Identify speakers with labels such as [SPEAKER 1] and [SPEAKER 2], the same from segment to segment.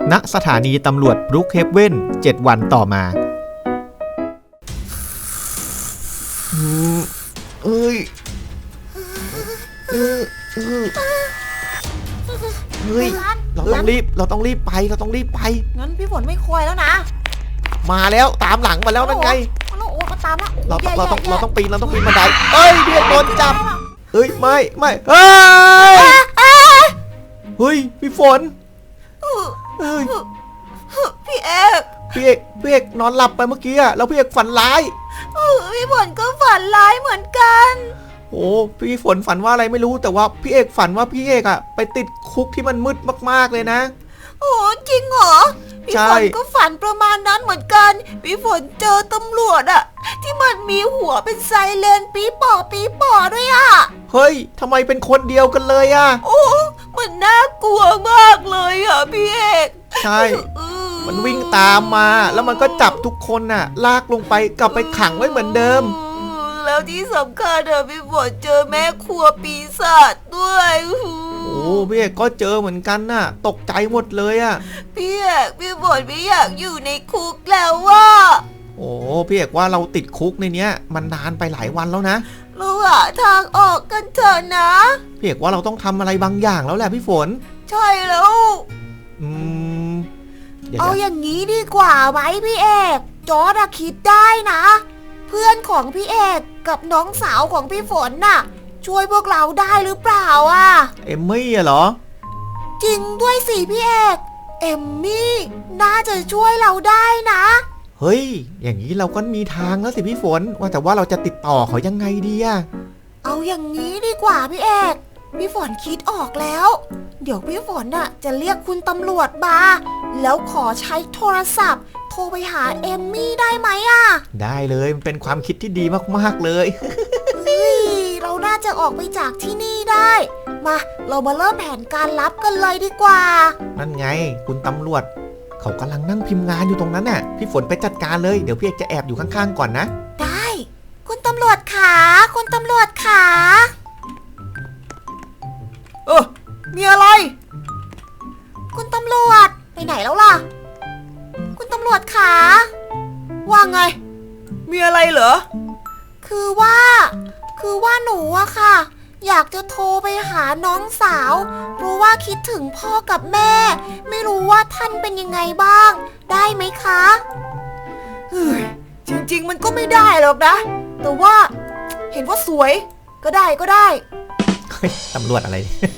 [SPEAKER 1] ณสถานีตำรวจบรูคเฮฟเว่น7 วันต่อมาเอ้ยเฮ้ยเราต้องรีบไป
[SPEAKER 2] งั้นพี่ฝนไม่คอยแล้วนะ
[SPEAKER 1] มาแล้วตามหลังมาแล้วนั่นไง
[SPEAKER 2] โอ้มาตามแล้ว
[SPEAKER 1] เราต้องปีนบันไดเอ้ยพี่เอกโดนจับเฮ้ยไม่เฮ้ยพี่ฝนเฮ้ย
[SPEAKER 2] พี่เ
[SPEAKER 1] อกนอนหลับไปเมื่อกี้อะแล้วพี่เอกฝันร้าย
[SPEAKER 2] พี่ฝนก็ฝันร้ายเหมือนกัน
[SPEAKER 1] โอ้พี่ฝนฝันว่าอะไรไม่รู้แต่ว่าพี่เอกฝันว่าพี่เอกอะไปติดคุกที่มันมืดมากๆเลยนะ
[SPEAKER 2] โอ้จริงเหรอพี่ฝนก็ฝันประมาณนั้นเหมือนกันพี่ฝนเจอตำรวจอะที่มันมีหัวเป็นไซเรนปี๊ป่อด้วยอะ
[SPEAKER 1] เฮ้ยทำไมเป็นคนเดียวกันเลยอะ
[SPEAKER 2] โอ้มันน่ากลัวมากเลยอะพี่เอก
[SPEAKER 1] ใช่มันวิ่งตามมาแล้วมันก็จับทุกคนน่ะลากลงไปกลับไปขังไว้เหมือนเดิม
[SPEAKER 2] แล้วที่สำคัญอะพี่ฝนเจอแม่ครัวปีศาจด้วย
[SPEAKER 1] โอ้พี่เอกก็เจอเหมือนกันน่ะตกใจหมดเลยอะ
[SPEAKER 2] พี่ฝนไม่อยากอยู่ในคุกแล้วว่า
[SPEAKER 1] โอ้พี่เอกว่าเราติดคุกในเนี้ยมันนานไปหลายวันแล้วนะ
[SPEAKER 2] เราหาทางออกกันเถอะนะ
[SPEAKER 1] พี่เอกว่าเราต้องทำอะไรบางอย่างแล้วแหละพี่ฝน
[SPEAKER 2] ใช่แล้วเอาอย่างนี้ดีกว่าไหมพี่เอกจอร์จคิดได้นะเพื่อนของพี่เอกกับน้องสาวของพี่ฝนน่ะช่วยพวกเราได้หรือเปล่าอ่ะ
[SPEAKER 1] เอมมี่เหรอ
[SPEAKER 2] จริงด้วยสิพี่เอกเอมมี่น่าจะช่วยเราได้นะ
[SPEAKER 1] เฮ้ยอย่างนี้เราก็มีทางแล้วสิพี่ฝนว่าแต่ว่าเราจะติดต่อเขายังไงดีอะ
[SPEAKER 2] เอาอย่างนี้ดีกว่าพี่เอกพี่ฝนคิดออกแล้วเดี๋ยวพี่ฝนน่ะจะเรียกคุณตำรวจมาแล้วขอใช้โทรศัพท์โทรไปหาเอมมี่ได้ไหมอะ
[SPEAKER 1] ได้เลยมันเป็นความคิดที่ดีมากๆเลย
[SPEAKER 2] เฮ้ยเราน่าจะออกไปจากที่นี่ได้มาเรามาเริ่มแผนการลับกันเลยดีกว่า
[SPEAKER 1] นั่นไงคุณตำรวจเขากำลังนั่งพิมพ์งานอยู่ตรงนั้นน่ะพี่ฝนไปจัดการเลยเดี๋ยวพี่เอกจะแอบอยู่ข้างๆก่อนนะ
[SPEAKER 2] ได้คุณตำรวจขาคุณตำรวจขามีอะไรคุณตำรวจไปไหนแล้วล่ะคุณตำรวจขาว่าไงมีอะไรเหรอคือว่าหนูอะค่ะอยากจะโทรไปหาน้องสาวเพราะว่าคิดถึงพ่อกับแม่ไม่รู้ว่าท่านเป็นยังไงบ้างได้ไหมคะจริงๆมันก็ไม่ได้หรอกนะแต่ว่าเห็นว่าสวยก็ได้
[SPEAKER 1] เฮ้ยตำรวจอะไร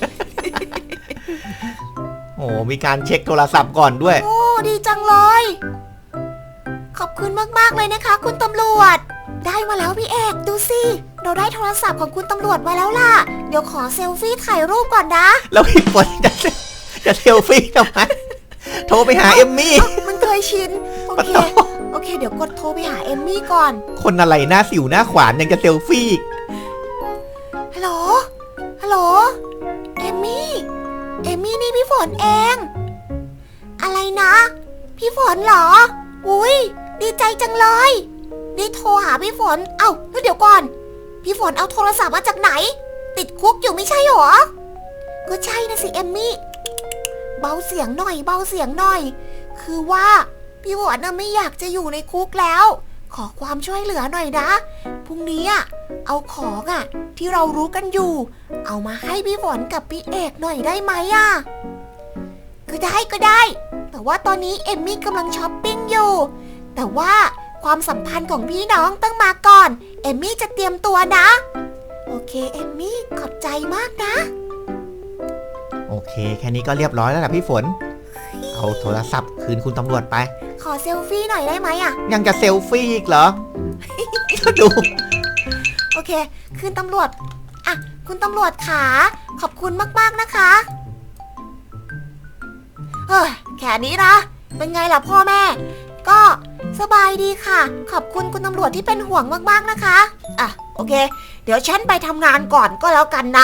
[SPEAKER 1] โอ้มีการเช็คโทรศัพท์ก่อนด้วย
[SPEAKER 2] โอ้ดีจังเลยขอบคุณมากๆเลยนะคะคุณตำรวจได้มาแล้วพี่เอกดูสิเราได้โทรศัพท์ของคุณตำรวจมาแล้วล่ะเดี๋ยวขอเซลฟี่ถ่ายรูปก่อนนะ
[SPEAKER 1] แล้วพี่ฝนจะเซลฟี่ทำไมโทรไปหาเอมมี่
[SPEAKER 2] มันเคยชินโอเคเดี๋ยวกดโทรไปหาเอมมี่ก่อน
[SPEAKER 1] คนอะไรหน้าสิวหน้าขวานยังจะเซลฟี่
[SPEAKER 2] ฮัลโหลเอมมี่นี่พี่ฝนเองอะไรนะพี่ฝนเหรออุ้ยดีใจจังเลยได้โทรหาพี่ฝนแล้วเดี๋ยวก่อนพี่ฝนเอาโทรศัพท์มาจากไหนติดคุกอยู่ไม่ใช่หรอก็ใช่นะสิเอมมี่เบาเสียงหน่อยคือว่าพี่ฝนน่ะไม่อยากจะอยู่ในคุกแล้วขอความช่วยเหลือหน่อยนะพรุ่งนี้เอาของที่เรารู้กันอยู่เอามาให้พี่ฝนกับพี่เอกหน่อยได้ไหมก็ได้แต่ว่าตอนนี้เอมมี่กำลังช้อปปิ้งอยู่แต่ว่าความสัมพันธ์ของพี่น้องต้องมาก่อนเอมมี่จะเตรียมตัวนะโอเคเอมมี่ขอบใจมากนะ
[SPEAKER 1] โอเคแค่นี้ก็เรียบร้อยแล้วนะพี่ฝนเอาโทรศัพท์คืนคุณตำรวจไป
[SPEAKER 2] ขอเซลฟี่หน่อยได้ไหม
[SPEAKER 1] ยังจะเซลฟี่อีกเหรอ ดู
[SPEAKER 2] โอเคคืนตำรวจคุณตำรวจขาขอบคุณมากๆนะคะแค่นี้นะเป็นไงล่ะพ่อแม่ก็สบายดีค่ะขอบคุณคุณตำรวจที่เป็นห่วงมากๆนะคะโอเคเดี๋ยวฉันไปทำงานก่อนก็แล้วกันนะ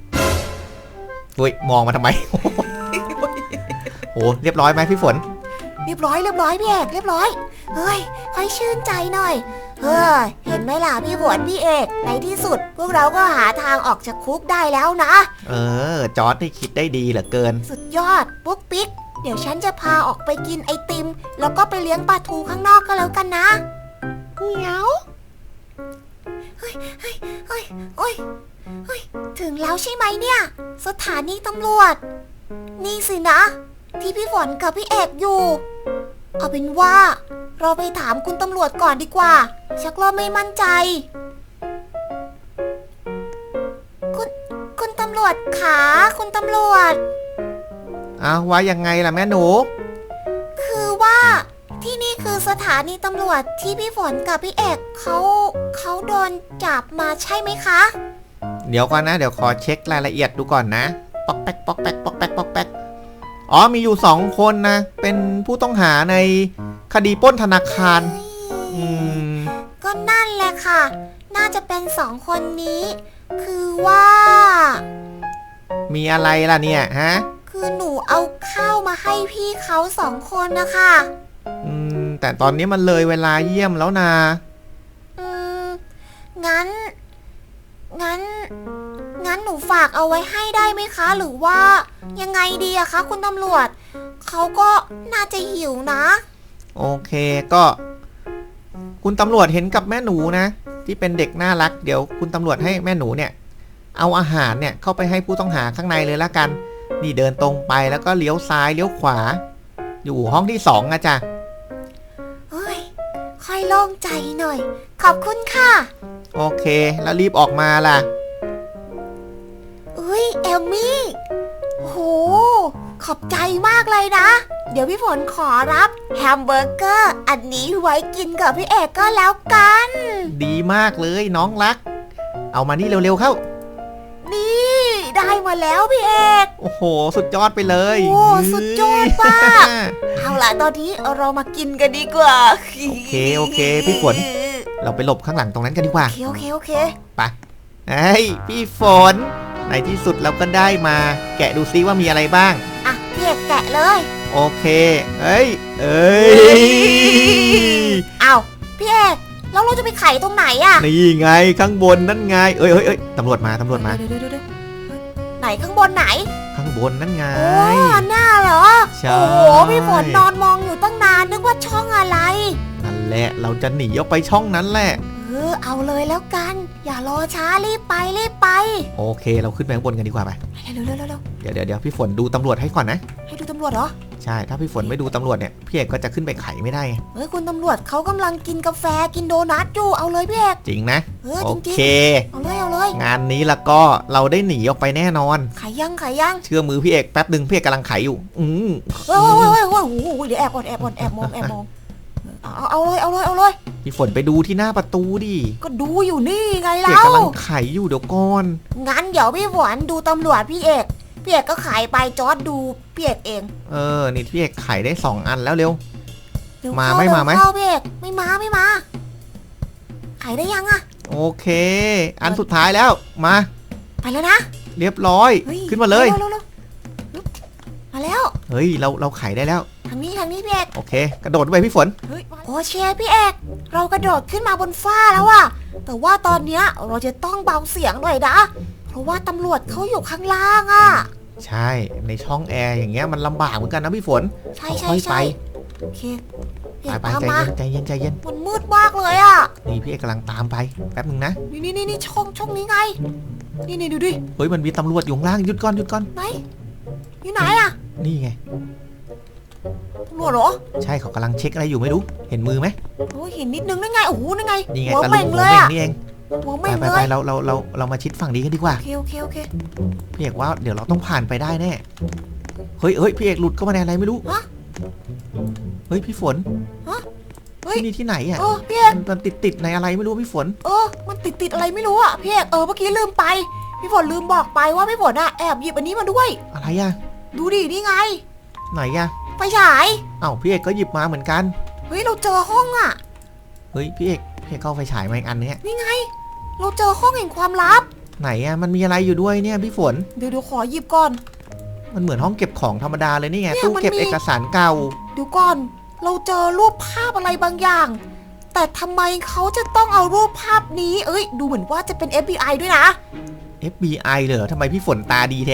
[SPEAKER 1] มองมาทำไม โอ้เรียบร้อยไหมพี่ฝน
[SPEAKER 2] เรียบร้อยพี่เอกเรียบร้อยเฮ้ยค่อยชื่นใจหน่อยเห็นไหมล่ะพี่ฝนพี่เอกในที่สุดพวกเราก็หาทางออกจากคุกได้แล้วนะ
[SPEAKER 1] จอร์จนี่คิดได้ดีเหลือเกิน
[SPEAKER 2] สุดยอดปุ๊กปิ๊กเดี๋ยวฉันจะพาออกไปกินไอติมแล้วก็ไปเลี้ยงปลาทูข้างนอกก็แล้วกันนะเหมียวเฮ้ยถึงแล้วใช่ไหมเนี่ยสถานีตำรวจนี่สินะที่พี่ฝนกับพี่เอกอยู่เอาเป็นว่าเราไปถามคุณตำรวจก่อนดีกว่าชักเริ่มไม่มั่นใจคุณตำรวจขาคุณตำรวจ
[SPEAKER 1] ว่ายังไงล่ะแม่หนู
[SPEAKER 2] คือว่าที่นี่คือสถานีตำรวจที่พี่ฝนกับพี่เอกเขาโดนจับมาใช่ไหมคะ
[SPEAKER 1] เดี๋ยวก่อนนะเดี๋ยวขอเช็ครายละเอียดดูก่อนนะปอกแป๊กปอกแป๊กปอกแป๊กปอกแป๊กมีอยู่2 คนนะเป็นผู้ต้องหาในคดีปล้นธนาคาร
[SPEAKER 2] ก็นั่นแหละค่ะน่าจะเป็น2 คนนี้คือว่า
[SPEAKER 1] มีอะไรล่ะเนี่ยฮะ
[SPEAKER 2] คือหนูเอาข้าวมาให้พี่เขา2 คนนะคะ
[SPEAKER 1] แต่ตอนนี้มันเลยเวลาเยี่ยมแล้วนะ
[SPEAKER 2] งั้นหนูฝากเอาไว้ให้ได้ไหมคะหรือว่ายังไงดีอะคะคุณตำรวจเขาก็น่าจะหิวนะ
[SPEAKER 1] โอเคก็คุณตำรวจเห็นกับแม่หนูนะที่เป็นเด็กน่ารักเดี๋ยวคุณตำรวจให้แม่หนูเนี่ยเอาอาหารเนี่ยเข้าไปให้ผู้ต้องหาข้างในเลยละกันนี่เดินตรงไปแล้วก็เลี้ยวซ้ายเลี้ยวขวาอยู่ห้องที่2นะจ๊ะ
[SPEAKER 2] เฮ้ยค่อยโล่งใจหน่อยขอบคุณค่ะ
[SPEAKER 1] โอเคแล้วรีบออกมาล่ะ
[SPEAKER 2] เอลมี่โหขอบใจมากเลยนะเดี๋ยวพี่ฝนขอรับแฮมเบอร์เกอร์อันนี้ไว้กินกับพี่เอกก็แล้วกัน
[SPEAKER 1] ดีมากเลยน้องรักเอามานี่เร็วๆเข้า
[SPEAKER 2] นี่ได้มาแล้วพี่เอก
[SPEAKER 1] โอ้โหสุดยอดไปเลย
[SPEAKER 2] โอ้สุดยอดมากเอาล่ะตอนนี้เรามากินกันดีกว่า
[SPEAKER 1] โอเคพี่ฝนเราไปหลบข้างหลังตรงนั้นกันดีกว่า
[SPEAKER 2] โอเค
[SPEAKER 1] ไปพี่ฝนในที่สุดเราก็ได้มาแกะดูซิว่ามีอะไรบ้าง
[SPEAKER 2] พี่เอกแกะเลย
[SPEAKER 1] โอเค
[SPEAKER 2] เอาพี่เอกแล้วเราจะไปไขตรงไหน
[SPEAKER 1] นี่ไงข้างบนนั่นไงตำรวจมาเดี๋ยว
[SPEAKER 2] ไหนข้างบนไหน
[SPEAKER 1] ข้างบนนั่นไง
[SPEAKER 2] หน้าเหรอโอ้โหพี่ฝนนอนมองอยู่ตั้งนานนึกว่าช่องอะไร
[SPEAKER 1] นั่นแหละเราจะหนีออกไปช่องนั้นแหละ
[SPEAKER 2] เอาเลยแล้วกันอย่ารอช้ารีบไป
[SPEAKER 1] โอเคเราขึ้นไปข้างบนกันดีกว่าไป
[SPEAKER 2] เร็ว
[SPEAKER 1] เดี๋ยวพี่ฝนดูตำรวจให้ก่อนนะ
[SPEAKER 2] ให้ดูตำรวจเหรอ
[SPEAKER 1] ใช่ถ้าพี่ฝนไม่ดูตำรวจเนี่ยพี่เอกก็จะขึ้นไปไขไม่ได้
[SPEAKER 2] คุณตำรวจเขากำลังกินกาแฟกินโดนัทอยู่เอาเลยพี่เอก
[SPEAKER 1] จริงนะ
[SPEAKER 2] โอ
[SPEAKER 1] เค
[SPEAKER 2] เอาเลย
[SPEAKER 1] งานนี้ละก็เราได้หนีออกไปแน่นอน
[SPEAKER 2] ไขยัง
[SPEAKER 1] เชื่อมือพี่เอกแป๊บนึงพี่เอกกำลังไขอยู่
[SPEAKER 2] โอ้ยเดี๋ยวแอบมองเอาเลย
[SPEAKER 1] พี่ฝนไปดูที่หน้าประตูดิ
[SPEAKER 2] ก็ดูอยู่นี่ไงเรา
[SPEAKER 1] พี่เอกกำลังไขอยู่เดี๋ยวก่อน
[SPEAKER 2] งั้นเดี๋ยวพี่ฝนดูตำรวจพี่เอกก็ไขไปจอดดูพี่เอกเอง
[SPEAKER 1] นี่พี่เอกไขได้2 อันแล้วเร็วมาไหม
[SPEAKER 2] เข้าพี่เอกไม่มาไขได้ยัง
[SPEAKER 1] โอเคอันสุดท้ายแล้วมา
[SPEAKER 2] ไปแล้วนะ
[SPEAKER 1] เรียบร้อยขึ้นมาเลย
[SPEAKER 2] มาแล้ว
[SPEAKER 1] เฮ้ยเราไขได้แล้ว
[SPEAKER 2] ทางนี้พี่เอก
[SPEAKER 1] โอเคกระโดดไปพี่ฝน
[SPEAKER 2] โอ้เชียร์พี่เอกเรากระโดดขึ้นมาบนฟ้าแล้วแต่ว่าตอนเนี้ยเราจะต้องเบาเสียงหน่อยนะเพราะว่าตำรวจเขาอยู่ข้างล่าง
[SPEAKER 1] ใช่ในช่องแอร์อย่างเงี้ยมันลำบากเหมือนกันนะพี่ฝน
[SPEAKER 2] ค่อยไปโอเค
[SPEAKER 1] ไปใจเย็น
[SPEAKER 2] มันมืดมากเลย
[SPEAKER 1] นี่พี่เอกกำลังตามไปแป๊บนึงนะ
[SPEAKER 2] นี่ช่องนี้ไงนี่ดูดิ
[SPEAKER 1] เฮ้ยมันมีตำรวจอยู่ข้างล่างหยุดก่อน
[SPEAKER 2] ไหนอยู่ไหน
[SPEAKER 1] นี่ไง
[SPEAKER 2] ตำรวจเหรอ
[SPEAKER 1] ใช่เขากำลังเช็คอะไรอยู่ไม่รู้เห็นมือไหม
[SPEAKER 2] โอ้เห็นนิดนึงนั่นไงโอ้โหนั่นไง
[SPEAKER 1] นี่ไงตะลุงหัวเม่งนี่เองไปเรามาชิดฝั่งนี้กันดีกว่า
[SPEAKER 2] โอเค
[SPEAKER 1] พี่เอกว่าเดี๋ยวเราต้องผ่านไปได้แน่เฮ้ยพี่เอกหลุดเข้ามาในอะไรไม่รู้เฮ้ยพี่ฝนที่นี่ที่ไหน
[SPEAKER 2] พี่เอก
[SPEAKER 1] มันติดในอะไรไม่รู้พี่ฝน
[SPEAKER 2] มันติดอะไรไม่รู้พี่เอกเมื่อกี้ลืมไปพี่ฝนลืมบอกไปว่าพี่ฝนแอบหยิบอันนี้มาด้วย
[SPEAKER 1] อะไร
[SPEAKER 2] ดูดินี่ไง
[SPEAKER 1] ไหน
[SPEAKER 2] ไฟฉาย
[SPEAKER 1] พี่เอกก็หยิบมาเหมือนกัน
[SPEAKER 2] เฮ้ยเราเจอห้อง
[SPEAKER 1] เฮ้ยพี่เอกเข้าไฟฉายมาอีกอันนึง
[SPEAKER 2] นี่ไงเราเจอห้องแห่งความลับ
[SPEAKER 1] ไหนมันมีอะไรอยู่ด้วยเนี่ยพี่ฝน
[SPEAKER 2] เดี๋ยวขอหยิบก่อน
[SPEAKER 1] มันเหมือนห้องเก็บของธรรมดาเลยนี่ไงตู้เก็บเอกสารเก่า
[SPEAKER 2] ดูก่อนเราเจอรูปภาพอะไรบางอย่างแต่ทำไมเขาจะต้องเอารูปภาพนี้ดูเหมือนว่าจะเป็น FBI ด้วยนะ
[SPEAKER 1] FBI เหรอทำไมพี่ฝนตาดีแท้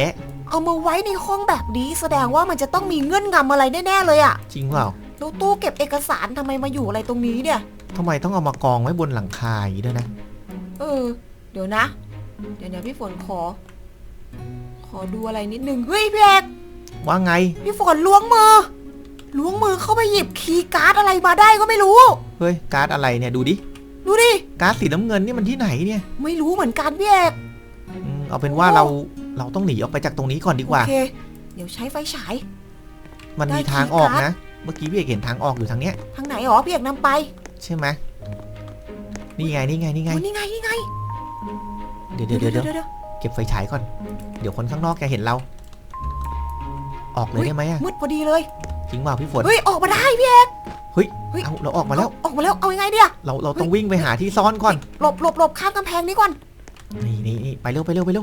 [SPEAKER 2] เอามาไว้ในห้องแบบนี้แสดงว่ามันจะต้องมีเงื่อนงำอะไรแน่ๆเลยอะ
[SPEAKER 1] จริงเปล่า
[SPEAKER 2] แล้วตู้เก็บเอกสารทำไมมาอยู่อะไรตรงนี้เนี่ย
[SPEAKER 1] ทำไมต้องเอามากองไว้บนหลังคาอย่างนี้ด้วยนะ
[SPEAKER 2] เดี๋ยวนะ เดี๋ยวพี่ฝนขอดูอะไรนิดนึง เฮ้ยพี่เอก
[SPEAKER 1] ว่าไง
[SPEAKER 2] พี่ฝนล้วงมือเข้าไปหยิบคีย์การ์ดอะไรมาได้ก็ไม่รู้
[SPEAKER 1] เฮ้ยการ์ดอะไรเนี่ยดูดิ
[SPEAKER 2] ดูดิ
[SPEAKER 1] การ์ดสีน้ำเงินนี่มันที่ไหนเนี่ย
[SPEAKER 2] ไม่รู้เหมือนกันพี่เอก
[SPEAKER 1] เอาเป็นว่าเราต้องหนีออกไปจากตรงนี้ก่อนดีกว่า
[SPEAKER 2] โอเค เดี๋ยวใช้ไฟฉาย
[SPEAKER 1] มันมีทางออกนะ เมื่อกี้พี่เอกเห็นทางออกอยู่ทางเนี้ย
[SPEAKER 2] ทางไหนหรอพี่เอกนำไป
[SPEAKER 1] ใช่ไหมนี่ไง
[SPEAKER 2] โอ้นี่ไง
[SPEAKER 1] เดี๋ยวเก็บไฟฉายก่อน เดี๋ยวคนข้างนอกแกเห็นเรา ออกเลยได้ไหมอะ
[SPEAKER 2] มืดพอดีเลย
[SPEAKER 1] จริงเปล่าพี่ฝน
[SPEAKER 2] เฮ้ยออกมาได้พี่เอก
[SPEAKER 1] เฮ้ยเอาเราออกมาแล้ว
[SPEAKER 2] เอายังไงเดีย
[SPEAKER 1] เราต้องวิ่งไปหาที่ซ่อนก่อน
[SPEAKER 2] หลบข้ามกำแพงนี้ก่อน
[SPEAKER 1] นี่ไปเร็ว
[SPEAKER 2] เร็วโ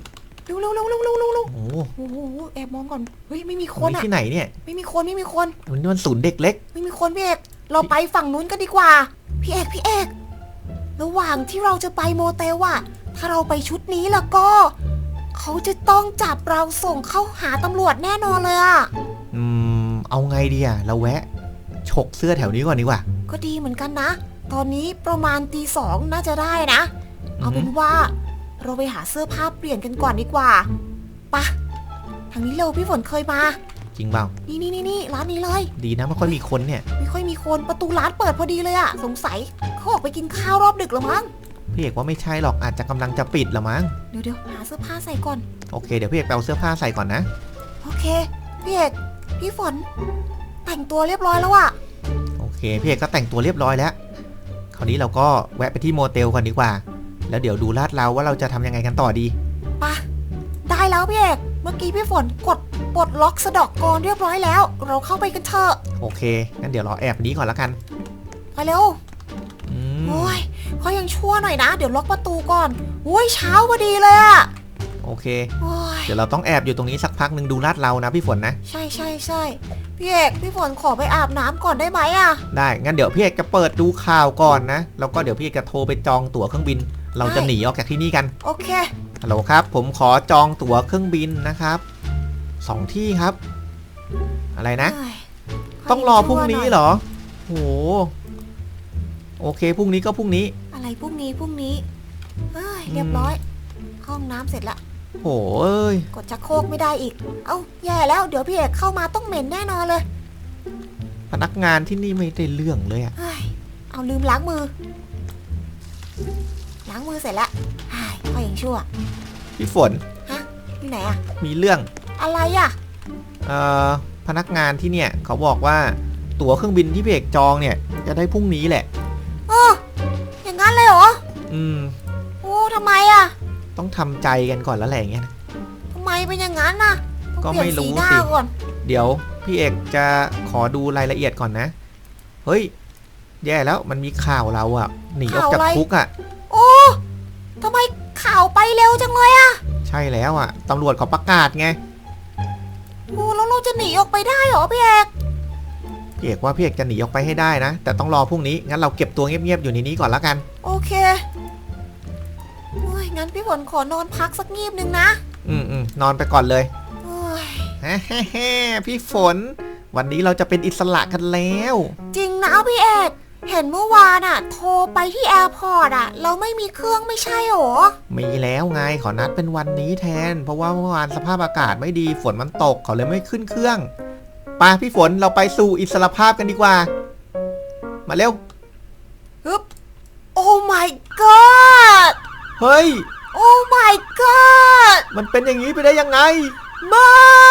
[SPEAKER 1] โอ้
[SPEAKER 2] โหแอบมองก่อน เฮ้ยไม่มีคน
[SPEAKER 1] นี่
[SPEAKER 2] อะ
[SPEAKER 1] ที่ไหนเนี่ย
[SPEAKER 2] ไม่มีคน
[SPEAKER 1] มันศูนย์เด็กเล็ก
[SPEAKER 2] ไม่มีคนพี่เอก เราไปฝั่งนู้นกันดีกว่า พี่เอกระหว่างที่เราจะไปโมเตลอะถ้าเราไปชุดนี้แล้วก็ เขาจะต้องจับเราส่งเข้าหาตำรวจแน่นอนเลยอะ
[SPEAKER 1] เอาไงดีอะเราแวะฉกเสื้อแถวนี้ก่อนดีกว่า
[SPEAKER 2] ก็ดีเหมือนกันนะ ตอนนี้ประมาณตี 2น่าจะได้นะ เอาเป็นว่า เราไปหาเสื้อผ้าเปลี่ยนกันก่อนดีกว่าปะทางนี้เร็วพี่ฝนเคยมา
[SPEAKER 1] จริงเปล่า
[SPEAKER 2] นี่ร้านนี้เลย
[SPEAKER 1] ดีนะไม่ค่อยมีคนเนี่ย
[SPEAKER 2] ไม่ค่อยมีคนประตูร้านเปิดพอดีเลยอะสงสัยเขาออกไปกินข้าวรอบดึกแล้วมั้ง
[SPEAKER 1] พี่เอกว่าไม่ใช่หรอกอาจจะกำลังจะปิดละมั้ง
[SPEAKER 2] เดี๋ยวหาเสื้อผ้าใส่ก่อน
[SPEAKER 1] โอเคเดี๋ยวพี่เอกไปเอาเสื้อผ้าใส่ก่อนนะ
[SPEAKER 2] โอเคพี่เอกพี่ฝน แต่งตัวเรียบร้อยแล้วอะ
[SPEAKER 1] โอเคพี่เอกก็แต่งตัวเรียบร้อยแล้ว คราวนี้เราก็แวะไปที่โมเตลก่อนดีกว่า แล้วเดี๋ยวดูลาดเราว่าเราจะทำยังไงกันต่อดี
[SPEAKER 2] ปะได้แล้วพี่เอกเมื่อกี้พี่ฝนกดปลดล็อกสะดอกกรเรียบร้อยแล้ว เราเข้าไปกันเถอะ
[SPEAKER 1] โอเคงั้นเดี๋ยวเราแอบนี้ก่อนละกัน
[SPEAKER 2] ไปเร็ว
[SPEAKER 1] อืม
[SPEAKER 2] โอ้ยเขายังชั่วหน่อยนะ เดี๋ยวล็อกประตูก่อนโอ้ยเช้าพอดีเลยอะ
[SPEAKER 1] โอเค
[SPEAKER 2] โอ้ย
[SPEAKER 1] เดี๋ยวเราต้องแอบอยู่ตรงนี้สักพักหนึ่งดูลาดเรานะพี่ฝนนะ
[SPEAKER 2] ใช่พี่เอกพี่ฝนขอไปอาบน้ำก่อนได้ไหมอะ
[SPEAKER 1] ได้งั้นเดี๋ยวพี่เอกจะเปิดดูข่าวก่อนนะแล้วก็เดี๋ยวพี่เอกจะโทรไปจองตั๋วเครื่องบิน เราจะหนีออกจากที่นี่กัน
[SPEAKER 2] โอเค
[SPEAKER 1] ฮัลโหลครับผมขอจองตั๋วเครื่องบินนะครับ2 ที่ครับ อะไรนะ
[SPEAKER 2] เอ้ย
[SPEAKER 1] ต้องรอพรุ่งนี้เหรอโหโอเคพรุ่งนี้ก็พรุ่งนี้
[SPEAKER 2] อะไรพรุ่งนี้เอ้ยเรียบร้อย ห้องน้ำเสร็จละ
[SPEAKER 1] โหเอ้ย
[SPEAKER 2] กดชักโครกไม่ได้อีก เอ้าแย่แล้วเดี๋ยวพี่เอกเข้ามาต้องเหม็นแน่นอนเลย
[SPEAKER 1] พนักงานที่นี่ไม่ได้เรื่องเลยอะ
[SPEAKER 2] เฮ้ยเอาลืมล้างมือเสร็จละเฮ้ยก็ยังชั่ว
[SPEAKER 1] พี่ฝน
[SPEAKER 2] ที่ไหนอะ
[SPEAKER 1] มีเรื่อง
[SPEAKER 2] อะไรอะ
[SPEAKER 1] พนักงานที่เนี่ยเขาบอกว่าตั๋วเครื่องบินที่พี่เอกจองเนี่ยจะได้พรุ่งนี้แหละ
[SPEAKER 2] อย่างนั้นเลยเหรอ
[SPEAKER 1] อืม
[SPEAKER 2] โอ้ทำไมอะ
[SPEAKER 1] ต้องทำใจกันก่อนแล้วแหละอย่างเงี้ยนะ
[SPEAKER 2] ทำไมเป็นอย่างนั้นน่ะต้อง
[SPEAKER 1] ก็
[SPEAKER 2] เปลี่ย
[SPEAKER 1] ไม่
[SPEAKER 2] น
[SPEAKER 1] รู้
[SPEAKER 2] สีหน้า
[SPEAKER 1] สิ
[SPEAKER 2] ก่อน
[SPEAKER 1] เดี๋ยวพี่เอกจะขอดูรายละเอียดก่อนนะ เฮ้ย แย่แล้วมันมีข่าวเราอะหนีออกจากคุกอะ
[SPEAKER 2] โอ้ทำไมข่าวไปเร็วจังเลยอะ
[SPEAKER 1] ใช่แล้วอะตำรวจเขาประกาศไง
[SPEAKER 2] โอ้แล้วเราจะหนีออกไปได้เหรอพี่เอก
[SPEAKER 1] พี่เอกว่าพี่เอกจะหนีออกไปให้ได้นะ แต่ต้องรอพรุ่งนี้งั้นเราเก็บตัวเงียบๆอยู่ในนี้ก่อนละกัน
[SPEAKER 2] โอเคโอ้ยงั้นพี่ฝนขอนอนพักสักงีบนึงนะ
[SPEAKER 1] นอนไปก่อนเลย
[SPEAKER 2] โอ้ย
[SPEAKER 1] แฮ่พี่ฝน วันนี้เราจะเป็นอิสระกันแล้ว
[SPEAKER 2] จริงนะพี่เอกเห็นเมื่อวานอะโทรไปที่แอร์พอร์ตอะเราไม่มีเครื่องไม่ใช่หรอ
[SPEAKER 1] มีแล้วไงขอนัดเป็นวันนี้แทน เพราะว่าเมื่อวานสภาพอากาศไม่ดีฝนมันตกเขาเลยไม่ขึ้นเครื่องไปพี่ฝนเราไปสู่อิสรภาพกันดีกว่า มาเร็ว
[SPEAKER 2] ฮึบโอ้ my god
[SPEAKER 1] เฮ้ย
[SPEAKER 2] โอ้ my god
[SPEAKER 1] มันเป็นอย่างนี้ไปได้ยังไง
[SPEAKER 2] ไม่